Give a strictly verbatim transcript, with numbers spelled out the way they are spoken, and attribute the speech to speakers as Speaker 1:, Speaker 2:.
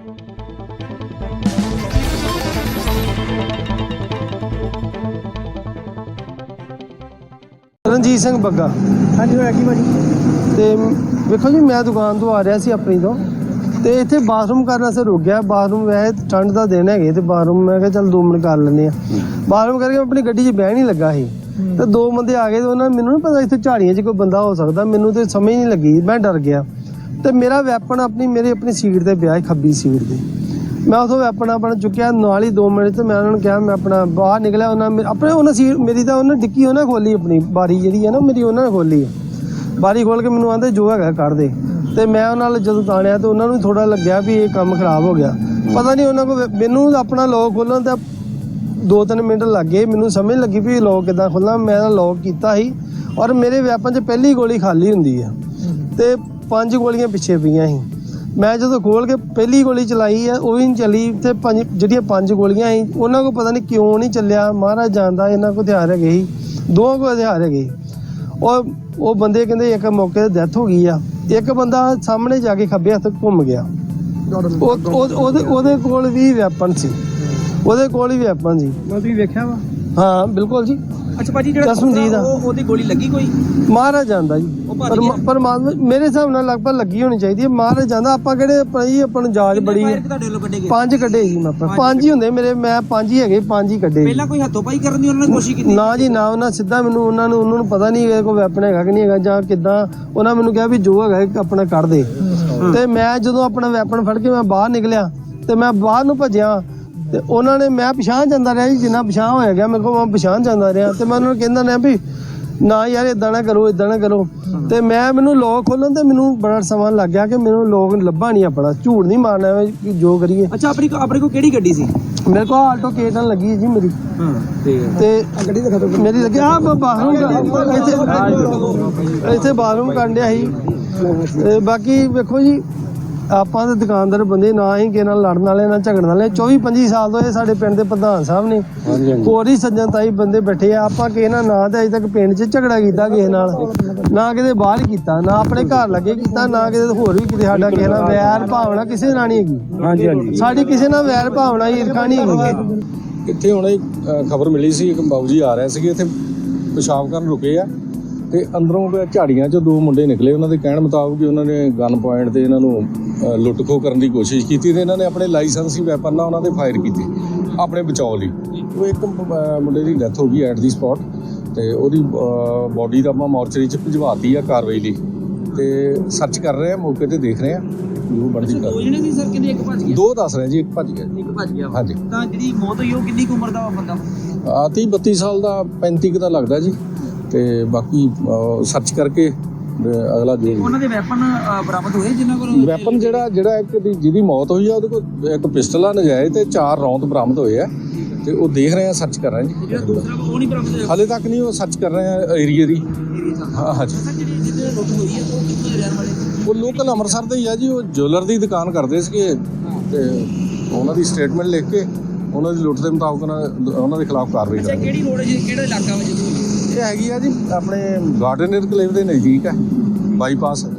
Speaker 1: ਰਣਜੀਤ ਸਿੰਘ ਬੱਗਾ।
Speaker 2: ਹਾਂਜੀ ਹੋਇਆ ਕੀ ਭਾਜੀ?
Speaker 1: ਤੇ ਵੇਖੋ ਜੀ, ਮੈਂ ਦੁਕਾਨ ਤੋਂ ਆ ਰਿਹਾ ਸੀ ਆਪਣੀ ਤੋਂ, ਤੇ ਇੱਥੇ ਬਾਥਰੂਮ ਕਰਨ ਸੇ ਰੁਕ ਗਿਆ। ਬਾਥਰੂਮ ਵੈਸੇ ਠੰਡ ਦਾ ਦਿਨ ਹੈਗੇ ਤੇ ਬਾਥਰੂਮ ਮੈਂ ਕਿਹਾ ਚੱਲ ਦੋ ਮਿੰਟ ਕਰ ਲੈਂਦੇ ਆ। ਬਾਥਰੂਮ ਕਰਕੇ ਆਪਣੀ ਗੱਡੀ 'ਚ ਬਹਿ ਨਹੀਂ ਲੱਗਾ ਸੀ ਤੇ ਦੋ ਬੰਦੇ ਆ ਗਏ ਤੇ ਉਹਨਾਂ ਮੈਨੂੰ ਨਹੀਂ ਪਤਾ ਇੱਥੇ ਝਾੜੀਆਂ 'ਚ ਕੋਈ ਬੰਦਾ ਹੋ ਸਕਦਾ, ਮੈਨੂੰ ਤੇ ਸਮਝ ਨਹੀਂ ਲੱਗੀ, ਮੈਂ ਡਰ ਗਿਆ। ਤੇ ਮੇਰਾ ਵੈਪਨ ਆਪਣੀ ਮੇਰੇ ਆਪਣੀ ਸੀਟ ਤੇ ਪਿਆ, ਖੱਬੀ ਸੀਟ ਤੇ। ਮੈਂ ਉਥੋਂ ਵੈਪਨ ਆਪਣਾ ਚੁੱਕਿਆ, ਨਾਲ ਹੀ ਦੋ ਮਿੰਟ ਤੇ ਮੈਂ ਉਹਨਾਂ ਨੂੰ ਕਿਹਾ, ਮੈਂ ਆਪਣਾ ਬਾਹਰ ਨਿਕਲਿਆ। ਉਹਨਾਂ ਆਪਣੇ ਉਹਨਾਂ ਸੀਟ ਮੇਰੀ ਤਾਂ ਉਹਨਾਂ ਡਿੱਕੀ ਉਹਨਾਂ ਖੋਲੀ, ਆਪਣੀ ਬਾਰੀ ਜਿਹੜੀ ਹੈ ਨਾ ਮੇਰੀ ਉਹਨਾਂ ਨੇ ਖੋਲੀ ਹੈ। ਬਾਰੀ ਖੋਲ ਕੇ ਮੈਨੂੰ ਆਂਦੇ ਜੋ ਹੈਗਾ ਕੱਢ ਦੇ। ਤੇ ਮੈਂ ਉਹਨਾਂ ਨਾਲ ਜਦੋਂ ਤਾਣਿਆ ਤੇ ਉਹਨਾਂ ਨੂੰ ਥੋੜਾ ਲੱਗਿਆ ਵੀ ਇਹ ਕੰਮ ਖਰਾਬ ਹੋ ਗਿਆ। ਪਤਾ ਨਹੀਂ ਉਹਨਾਂ ਕੋਲ, ਮੈਨੂੰ ਆਪਣਾ ਲੋਕ ਖੋਲਣ ਦਾ ਦੋ ਤਿੰਨ ਮਿੰਟ ਲੱਗ ਗਏ, ਮੈਨੂੰ ਸਮਝ ਲੱਗੀ ਵੀ ਲੋਕ ਕਿੱਦਾਂ ਖੋਲ੍ਹਾਂ। ਮੈਂ ਲੋਕ ਕੀਤਾ ਸੀ ਔਰ ਮੇਰੇ ਵੈਪਨ 'ਚ ਪਹਿਲੀ ਗੋਲੀ ਖਾਲੀ ਹੁੰਦੀ ਆ ਤੇ ਪੰਜ ਗੋਲੀਆਂ ਪਿੱਛੇ ਪਈਆਂ ਸੀ। ਮੈਂ ਜਦੋਂ ਖੋਲ ਕੇ ਪਹਿਲੀ ਗੋਲੀ ਚਲਾਈ ਆ, ਉਹ ਵੀ ਨਹੀਂ ਚੱਲੀ। ਤੇ ਪੰਜ ਜਿਹੜੀਆਂ ਪੰਜ ਗੋਲੀਆਂ ਸੀ ਉਹਨਾਂ ਕੋਲ ਪਤਾ ਨਹੀਂ ਕਿਉਂ ਨਹੀਂ ਚੱਲਿਆ, ਮਹਾਰਾਜ ਜਾਣਦਾ। ਇਹਨਾਂ ਕੋਲ ਹਥਿਆਰ ਹੈਗੇ ਸੀ, ਦੋ ਕੋਲ ਹਥਿਆਰ ਹੈਗੇ। ਉਹ ਉਹ ਬੰਦੇ ਕਹਿੰਦੇ ਇੱਕ ਮੌਕੇ ਤੇ ਡੈਥ ਹੋ ਗਈ ਆ, ਇੱਕ ਬੰਦਾ ਸਾਹਮਣੇ ਜਾ ਕੇ ਖੱਬੇ ਹੱਥ ਘੁੰਮ ਗਿਆ। ਉਹਦੇ ਉਹਦੇ ਕੋਲ ਵੀ ਵੈਪਨ ਸੀ, ਉਹਦੇ ਕੋਲ ਹੀ ਵੈਪਨ ਸੀ।
Speaker 2: ਤੁਸੀਂ ਵੇਖਿਆ ਵਾ?
Speaker 1: ਹਾਂ ਬਿਲਕੁਲ ਜੀ।
Speaker 2: ਅੱਛਾ ਭਾਜੀ, ਜਿਹੜਾ ਉਹਦੀ ਗੋਲੀ ਲੱਗੀ ਕੋਈ? ਮਹਾਰਾਜ ਜਾਂਦਾ ਜੀ, ਪਰਮਾਤਮਾ
Speaker 1: ਮੇਰੇ ਹਿਸਾਬ ਨਾਲ ਲਗਭਗ ਲੱਗੀ ਹੋਣੀ ਚਾਹੀਦੀ ਹੈ। ਮਹਾਰਾਜ ਜਾਂਦਾ। ਆਪਾਂ ਕਿਹੜੇ ਭਾਈ ਆਪਾਂ ਨੂੰ ਜਾਂਚ ਬੜੀ ਹੈ। ਪੰਜ ਕੱਢੇ ਜੀ, ਮੈਂ ਪੰਜ ਹੀ ਹੁੰਦੇ ਮੇਰੇ, ਮੈਂ ਪੰਜ ਹੀ ਹੈਗੇ, ਪੰਜ ਹੀ ਕੱਢੇ।
Speaker 2: ਪਹਿਲਾਂ ਕੋਈ ਹੱਥੋਂ ਪਾਈ ਕਰਨ ਦੀ ਉਹਨਾਂ ਨੇ ਕੋਸ਼ਿਸ਼ ਕੀਤੀ?
Speaker 1: ਨਾ ਜੀ ਨਾ, ਉਹਨਾਂ ਸਿੱਧਾ ਮੈਨੂੰ ਉਹਨਾਂ ਨੂੰ ਉਹਨਾਂ ਨੂੰ ਪਤਾ ਨਹੀਂ ਇਹ ਕੋਈ ਵੈਪਨ ਹੈਗਾ ਕਿ ਨਹੀਂ ਹੈਗਾ ਜਾਂ ਕਿੱਦਾਂ। ਉਹਨਾਂ ਮੈਨੂੰ ਕਿਹਾ ਵੀ ਜੋ ਹੈਗਾ ਆਪਣਾ ਕੱਢ ਦੇ। ਤੇ ਮੈਂ ਜਦੋਂ ਆਪਣਾ ਵੈਪਨ ਫੜ ਕੇ ਮੈਂ ਬਾਹਰ ਨਿਕਲਿਆ ਤੇ ਮੈਂ ਬਾਹਰ ਨੂੰ ਭੱਜਿਆ ਤੇ ਉਹਨਾਂ ਨੇ, ਮੈਂ ਪਛਾਣ ਜਾਂਦਾ ਰਿਹਾ ਜੀ, ਜਿੰਨਾ ਪਛਾਣ ਹੋਇਆ ਗਿਆ ਮੇਰੇ ਕੋਲ ਮੈਂ ਪਛਾਣ ਜਾਂਦਾ ਰਿਹਾ। ਤੇ ਮੈਂ ਉਹਨਾਂ ਨੂੰ ਕਹਿੰਦਾ ਰਿਹਾ ਵੀ ਨਾ ਯਾਰ ਇਦਾਂ ਨਾ ਕਰੋ, ਇਦਾਂ ਨਾ ਕਰੋ। ਤੇ ਮੈਂ ਮੈਨੂੰ ਲੋਕ ਖੋਲਣ ਤੇ ਮੈਨੂੰ ਬੜਾ ਸਮਾਂ ਲੱਗ ਗਿਆ ਕਿ ਮੈਨੂੰ ਲੋਕ ਲੱਭਾ ਨਹੀਂ ਆਪਣਾ, ਝੂਠ ਨਹੀਂ ਮਾਰਨਾ ਜੋ ਕਰੀਏ।
Speaker 2: ਅੱਛਾ, ਆਪਣੀ ਆਪਣੇ ਕੋਲ ਕਿਹੜੀ ਗੱਡੀ ਸੀ?
Speaker 1: ਮੇਰੇ ਕੋਲ ਆਲਟੋ ਕੇ ਟਨ ਲੱਗੀ ਹੈ ਜੀ ਮੇਰੀ।
Speaker 2: ਹਾਂ ਠੀਕ ਹੈ।
Speaker 1: ਤੇ ਗੱਡੀ ਦਿਖਾ ਦਿਓ ਮੇਰੀ ਲੱਗੀ ਆ ਬਾਥਰੂਮ ਇੱਥੇ ਇੱਥੇ ਬਾਥਰੂਮ ਕਰਨ ਡਿਆ ਸੀ। ਤੇ ਬਾਕੀ ਵੇਖੋ ਜੀ, ਆਪਾਂ ਤਾਂ ਦੁਕਾਨਦਾਰ ਬੰਦੇ, ਨਾ ਹੀ ਕਿਸੇ ਨਾਲ ਲੜਨ ਵਾਲੇ ਨਾ ਝਗੜਨ ਵਾਲੇ। ਚੌਵੀ ਪੰਜੀ ਸਾਲ ਤੋਂ ਇਹ ਸਾਡੇ ਪਿੰਡ ਦੇ ਪ੍ਰਧਾਨ ਸਾਹਿਬ ਨੇ, ਹੋਰ ਹੀ ਸੱਜਣ ਤਾਈ ਬੰਦੇ ਬੈਠੇ ਆ। ਆਪਾਂ ਕਿਸੇ ਨਾਲ ਨਾ ਤਾਂ ਅਜੇ ਤੱਕ ਪਿੰਡ 'ਚ ਝਗੜਾ ਕੀਤਾ ਕਿਸੇ ਨਾਲ, ਨਾ ਕਿਤੇ ਬਾਹਰ ਕੀਤਾ, ਨਾ ਆਪਣੇ ਘਰ ਲੱਗੇ ਕੀਤਾ, ਨਾ ਕਿਤੇ ਹੋਰ ਵੀ ਕਿਤੇ ਸਾਡਾ ਕਿਸੇ ਨਾਲ ਵੈਰ ਭਾਵਨਾ ਕਿਸੇ ਨਾਲ ਨਹੀਂ ਹੈਗੀ। ਹਾਂਜੀ ਹਾਂਜੀ, ਸਾਡੀ ਕਿਸੇ ਨਾਲ ਵੈਰ ਭਾਵਨਾ ਈਰਖਾ ਨਹੀਂ ਹੈਗੀ।
Speaker 3: ਇੱਥੇ ਹੁਣੇ ਖਬਰ ਮਿਲੀ ਸੀ, ਇੱਕ ਬਾਬੂ ਜੀ ਆ ਰਹੇ ਸੀਗੇ ਇੱਥੇ ਪਿਸ਼ਾਬ ਕਰਨ ਰੁਕੇ ਆ ਤੇ ਅੰਦਰੋਂ ਝਾੜੀਆਂ 'ਚੋਂ ਦੋ ਮੁੰਡੇ ਨਿਕਲੇ। ਉਹਨਾਂ ਦੇ ਕਹਿਣ ਮੁਤਾਬਕ ਉਹਨਾਂ ਨੇ ਗਨ ਪੁਆਇੰਟ ਤੇ ਇਹਨਾਂ ਨੂੰ ਲੁੱਟ ਖੋਹ ਕਰਨ ਦੀ ਕੋਸ਼ਿਸ਼ ਕੀਤੀ ਤੇ ਇਹਨਾਂ ਨੇ ਆਪਣੇ ਲਾਇਸੈਂਸੀ ਵੈਪਨ ਨਾਲ ਉਹਨਾਂ ਦੇ ਫਾਇਰ ਕੀਤੇ ਆਪਣੇ ਬਚਾਅ ਲਈ। ਉਹ ਇੱਕ ਮੁੰਡੇ ਦੀ ਡੈਥ ਹੋ ਗਈ ਐਟ ਦੀ ਸਪੌਟ ਤੇ ਉਹਦੀ ਬੋਡੀ ਤਾਂ ਆਪਾਂ ਮੋਰਚਰੀ 'ਚ ਭਿਜਵਾਤੀ ਆ ਕਾਰਵਾਈ ਲਈ ਤੇ ਸਰਚ ਕਰ ਰਹੇ ਆ, ਮੌਕੇ ਤੇ ਦੇਖ ਰਹੇ ਆ ਜੋ ਬਣਦੀ ਕਰ।
Speaker 2: ਦੋ ਜਣੇ ਸੀ ਸਰ, ਕਿਤੇ ਇੱਕ ਭੱਜ ਗਿਆ?
Speaker 3: ਦੋ ਦੱਸ ਰਹੇ ਜੀ, ਇੱਕ ਭੱਜ ਗਿਆ।
Speaker 2: ਇੱਕ ਭੱਜ ਗਿਆ।
Speaker 3: ਹਾਂਜੀ।
Speaker 2: ਤਾਂ ਜਿਹੜੀ ਮੌਤ ਹੋਈ ਉਹ ਕਿੰਨੀ ਕੁ ਉਮਰ ਦਾ ਬੰਦਾ?
Speaker 3: ਆ ਤੀਹ ਬੱਤੀ ਸਾਲ ਦਾ, ਪੈਂਤੀ ਕੁ ਦਾ ਲੱਗਦਾ ਜੀ। ਤੇ ਬਾਕੀ ਸਰਚ ਕਰਕੇ ਅਗਲਾ ਜੋ
Speaker 2: ਉਹਨਾਂ ਦੇ ਵੈਪਨ ਬਰਾਮਦ ਹੋਏ ਜਿਨ੍ਹਾਂ ਕੋਲ?
Speaker 3: ਵੈਪਨ ਜਿਹੜਾ ਜਿਹੜਾ ਇੱਕ ਦੀ ਜਿਹਦੀ ਮੌਤ ਹੋਈ ਆ ਉਹਦੇ ਕੋਲ ਇੱਕ ਪਿਸਟਲ ਆ ਨਜਾਇਜ਼ ਤੇ ਚਾਰ ਰੌਂਦ ਬਰਾਮਦ ਹੋਏ ਆ ਤੇ ਉਹ ਦੇਖ ਰਹੇ ਆ, ਸਰਚ ਕਰ ਰਹੇ ਆ ਜੀ।
Speaker 2: ਜਿਹੜਾ ਦੂਸਰਾ ਉਹ ਨਹੀਂ ਬਰਾਮਦ ਹੋਇਆ
Speaker 3: ਹਾਲੇ ਤੱਕ ਨਹੀਂ, ਉਹ ਸਰਚ ਕਰ ਰਹੇ ਆ ਏਰੀਏ ਦੀ। ਹਾਂ ਹਾਂਜੀ।
Speaker 2: ਜਿਹੜੀ ਜਿਹਦੇ ਲੁੱਟ ਹੋਈ ਹੈ ਉਹ ਕਿੱਥੋਂ ਦੇ ਰਹਿਣ ਵਾਲੇ?
Speaker 3: ਉਹ ਲੋਕਲ ਅੰਮ੍ਰਿਤਸਰ ਦੇ ਹੀ ਆ ਜੀ। ਉਹ ਜੁਐਲਰ ਦੀ ਦੁਕਾਨ ਕਰਦੇ ਸੀਗੇ ਤੇ ਉਹਨਾਂ ਦੀ ਸਟੇਟਮੈਂਟ ਲਿਖ ਕੇ ਉਹਨਾਂ ਦੀ ਲੁੱਟ ਦੇ ਮੁਤਾਬਕ ਉਹਨਾਂ ਦੇ ਖਿਲਾਫ ਕਾਰਵਾਈ ਕਰਾਂਗੇ।
Speaker 2: ਕਿਹੜੀ ਰੋਡ ਹੈ ਜੀ, ਕਿਹੜਾ ਇਲਾਕਾ ਵਾ ਜੀ?
Speaker 3: ਇਹ ਹੈਗੀ ਆ ਜੀ ਆਪਣੇ ਗਾਰਡਨ ਇਨਕਲੇਵ ਦੇ ਨਜ਼ਦੀਕ ਹੈ, ਬਾਈਪਾਸ।